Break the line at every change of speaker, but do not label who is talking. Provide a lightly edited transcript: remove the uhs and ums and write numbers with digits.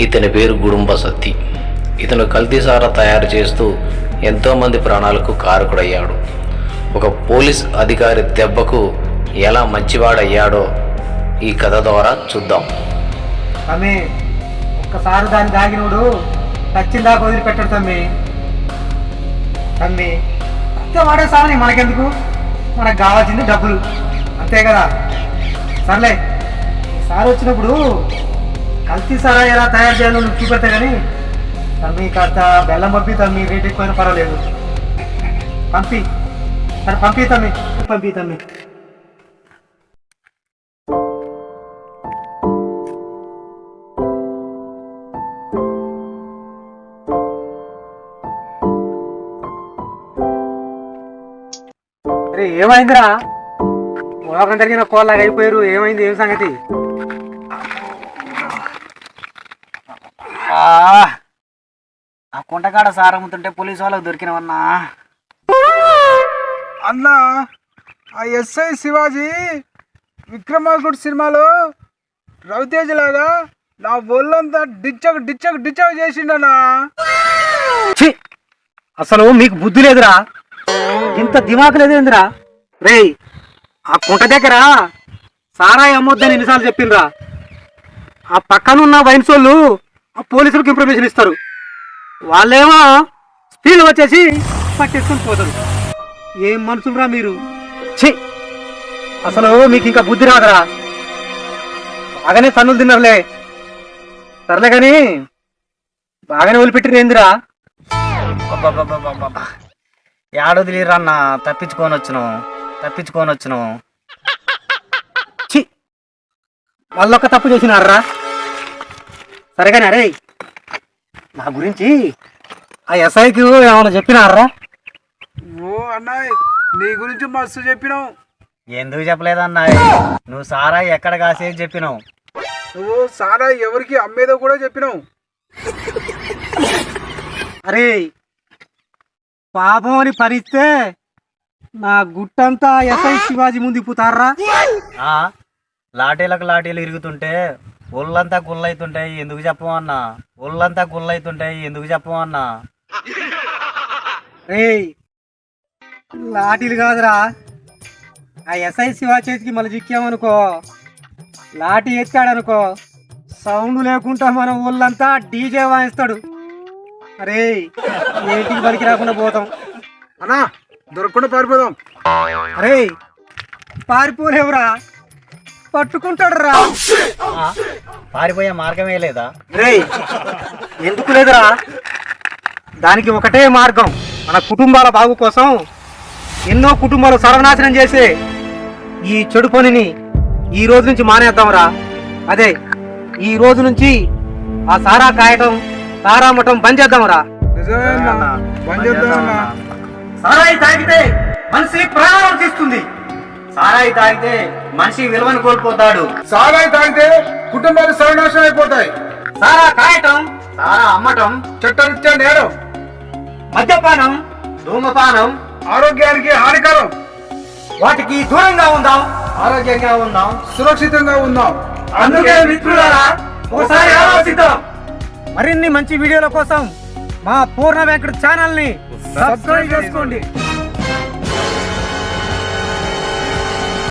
ఇతని పేరు గుడుంబ సత్తి. ఇతను కల్తీసారా తయారు చేస్తూ ఎంతోమంది ప్రాణాలకు కారకుడయ్యాడు. ఒక పోలీస్ అధికారి దెబ్బకు ఎలా మంచివాడయ్యాడో ఈ కథ ద్వారా చూద్దాం.
తమ్మి ఒక్కసారి దాన్ని దాగినోడు నచ్చిందాకా వదిలిపెట్టాడు తమ్మి. తమ్మి అంతే వాడే సామని మనకెందుకు, మనకు కావాల్సింది డబ్బులు అంతే కదా. సర్లే ఈసారి వచ్చినప్పుడు కల్తీ సారా ఎలా తయారు చేయాలో నువ్వు చూపెడతా కానీ తమ్మి కాస్త బెల్లం పంపి తమ్మి, రేట్ ఎక్కువైనా పర్వాలేదు పంపి. సరే పంపి తమ్మి, పంపి తమ్మి. అరే ఏమైందిరా, మోకం జరిగిన కోళ్ళగా అయిపోయారు. ఏమైంది, ఏం సంగతి?
ఆ కుంటకాడ సారమ్ముతుంటే పోలీసు వాళ్ళకి దొరికినవన్నా.
అన్నా ఆ ఎస్ఐ శివాజీ విక్రమార్కుడు సినిమాలో రవితేజ లాగా నా ఒళ్ళంతా డిచ్చక్ చేసిండన్నా.
అసలు మీకు బుద్ధి లేదురా, ఇంత దిమాకు లేదేందిరా? రేయ్ ఆ కుంట దగ్గర సారాయి అమ్మొద్దని ఎన్నిసార్లు చెప్పిండ్రా? ఆ పక్కనున్న వైన్స్ వాళ్ళు ఆ పోలీసులకు ఇన్ఫర్మేషన్ ఇస్తారు, వాళ్ళేమో స్పీడ్ వచ్చేసి పట్టేసుకొని పోతారు. ఏం మనుషులరా మీరు? ఛీ, అసలు మీకు ఇంకా బుద్ధి రాదురా. బాగానే తన్నులు తిన్నారులే. సర్లే కానీ బాగానే వదిలిపెట్టిరేందిరా?
ఏడొదిలిరన్నా, తప్పించుకొని వచ్చినాం.
ఛీ, వాళ్ళొక్క తప్పు చేసినారా? సరే కానీ అరే నా గురించి ఆ ఎస్ఐకి ఏమైనా చెప్పినారా?
ఓ అన్నాయ్ నీ గురించి మస్తు చెప్పినావు.
ఎందుకు చెప్పలేదన్నా? నువ్వు సారా ఎక్కడ కాసేది చెప్పినావు.
నువ్వు సారా ఎవరికి అమ్మేదో కూడా చెప్పినావు.
అరే పాపం అని పరిస్తే నా గుట్టంతా ఎస్ఐ శివాజీ ముందు ఇప్పుతారా?
లాఠీలు ఇరుగుతుంటే ఒళ్ళంతా గుళ్ళైతుంటాయి, ఎందుకు చెప్పమన్నా?
రే లాఠీలు కాదురా, ఆ ఎస్ఐ శివాజీ చేతికి మళ్ళీ చిక్కామనుకో, లాఠీ ఎత్తాడనుకో, సౌండ్ లేకుండా మన ఊళ్ళంతా డీజే వాయిస్తాడు. అరే ఏంటికి బలికి రాకుండా పోతాం.
అన్నా దొరకకుండా పారిపోదాం.
అరే పారిపోలేవురా, పట్టుకుంటాడు రా.
పారిపోయే మార్గమే లేదా?
రే ఎందుకు లేదురా, దానికి ఒకటే మార్గం. మన కుటుంబాల బాగు కోసం ఎన్నో కుటుంబాలు సర్వనాశనం చేసే ఈ చెడు పనిని ఈ రోజు నుంచి మానేద్దాంరా. అదే ఈ రోజు నుంచి ఆ సారా కాయటం, సారా అమ్మటం బంద్ చేద్దాంరా.
నిజమేనా? బంద్ చేద్దామన్నా.
సారాయి తాగితే మనిషి ప్రాణం తీస్తుంది, సారాయి తాగితే మనిషి విలువను కోల్పోతాడు,
సారాయి తాగితే కుటుంబాలు సర్వనాశనం అయిపోతాయి,
సారా కాయటం, సారా అమ్మటం
చట్టరీత్యా నేరం,
మద్యపానం, ధూమపానం
ఆరోగ్యానికి హానికరం.
వాటికి దూరంగా ఉందాం, ఆరోగ్యంగా ఉందాం,
సురక్షితంగా ఉందాం.
అందుకే మిత్రులారా ఒకసారి ఆలోచిద్దాం. మరిన్ని మంచి వీడియోల కోసం మా పూర్ణ వెంకట ఛానల్ ని సబ్స్క్రైబ్ చేసుకోండి.